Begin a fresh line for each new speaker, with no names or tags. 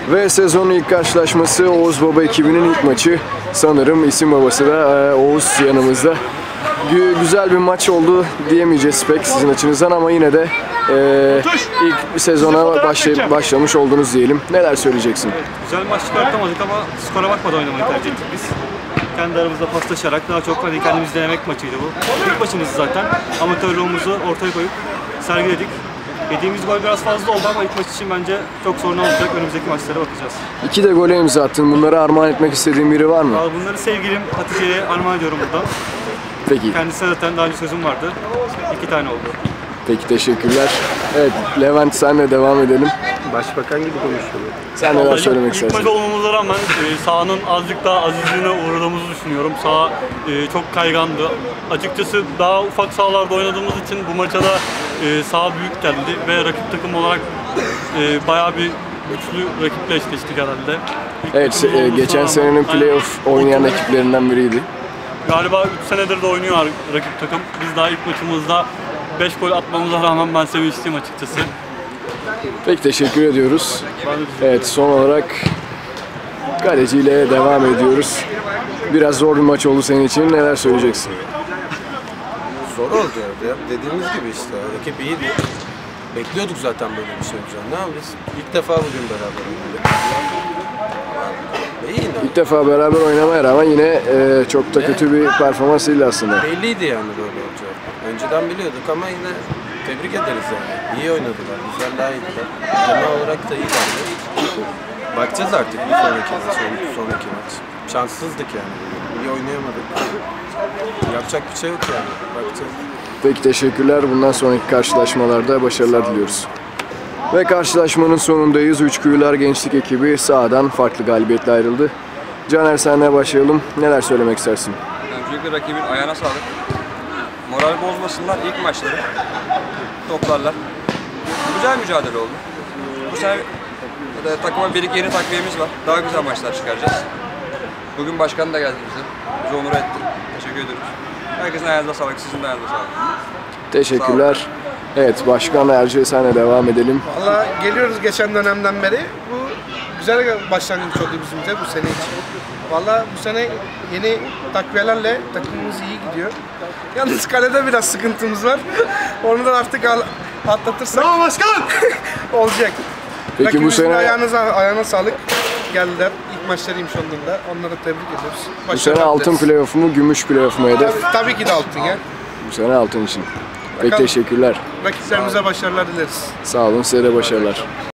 Ve sezonun ilk karşılaşması Oğuz Baba ekibinin ilk maçı. Sanırım isim babası da Oğuz yanımızda. Güzel bir maç oldu diyemeyeceğiz pek sizin açınızdan ama yine de ilk sezona başlamış oldunuz diyelim. Neler söyleyeceksin?
Güzel bir maç çıkartamadık ama skora bakmadan oynamayı tercih ettik biz. Kendi aramızda paslaşarak daha çok kendimizi denemek maçıydı bu. İlk maçımız zaten. Amatörlüğümüzü ortaya koyup sergiledik. Yediğimiz gol biraz fazla oldu ama ilk maç için bence çok sorun olmayacak. Önümüzdeki maçlara bakacağız.
2 de gole imza attın. Bunları armağan etmek istediğin biri var mı?
Bunları sevgilim Hatice'ye armağan ediyorum buradan.
Peki.
Kendisine zaten daha önce sözüm vardı. 2 tane oldu.
Peki, teşekkürler. Evet, Levent senle devam edelim.
Başbakan gibi konuşuyor.
Sen neler söylemek istersin?
İlk maç olmamıza rağmen sahanın azıcık daha azizliğine uğradığımızı düşünüyorum. Saha çok kaygandı. Açıkçası daha ufak sahalarda oynadığımız için bu maça da saha büyük geldi ve rakip takım olarak bayağı bir güçlü rakiple eşleştik herhalde.
Evet, geçen senenin playoff oynayan ekiplerinden biriydi.
Galiba 3 senedir de oynuyor rakip takım. Biz daha ilk maçımızda 5 gol atmamıza rağmen ben sevinçliyim açıkçası.
Peki, teşekkür ediyoruz. Evet, son olarak kaleciyle devam ediyoruz. Biraz zor bir maç oldu senin için. Neler söyleyeceksin?
Zor oldu ya. Dediğimiz gibi işte. Rakip iyiydi. Bekliyorduk zaten böyle bir şey olacağını. Ne yapacağız? İlk defa bugün beraber oynadık. İyi yine.
İlk defa beraber oynamaya rağmen yine çok da kötü bir performans değil aslında.
Belliydi yani böyle olacağı. Önceden biliyorduk ama yine tebrik ederiz yani. İyi oynadılar. Güzel, daha iyiydiler. Genel olarak da iyilerdi. Bakacağız artık bir sonraki maç. Şanssızdık yani. İyi oynayamadık. Yapacak bir şey yok yani. Bakacağız.
Peki, teşekkürler. Bundan sonraki karşılaşmalarda başarılar diliyoruz. Ve karşılaşmanın sonundayız. Üçkuyular Gençlik ekibi sahadan farklı galibiyetle ayrıldı. Caner, senle başlayalım. Neler söylemek istersin?
Öncelikle rakibin ayağına sağlık. Moral bozmasınlar, ilk maçları toplarlar. Güzel mücadele oldu. Bu sene takıma bir iki yeni takviyemiz var. Daha güzel maçlar çıkaracağız. Bugün başkan da geldi bize. Bizi onur etti. Teşekkür ediyoruz. Herkesin ayağınıza sağlık, sizin de ayağınıza sağlık.
Teşekkürler. Evet, Başkan Erce, senle devam edelim.
Valla geliyoruz geçen dönemden beri. Bu güzel bir başlangıç oldu bizim de bu sene için. Valla bu sene yeni takviyelerle takımımız iyi gidiyor. Yalnız kalede biraz sıkıntımız var. Onu da artık atlatırsak olacak.
Peki
rakibimizin
bu sene
ayağına sağlık, geldiler. İlk maçlarıymış onların da. Onları tebrik ediyoruz.
bu sene altın playoff mu, gümüş playoff mu hedef?
Tabii ki de altın ya.
Bu sene altın için. Peki,
Bakalım.
teşekkürler.
Rakiplerimize başarılar dileriz.
Sağ olun, size de başarılar.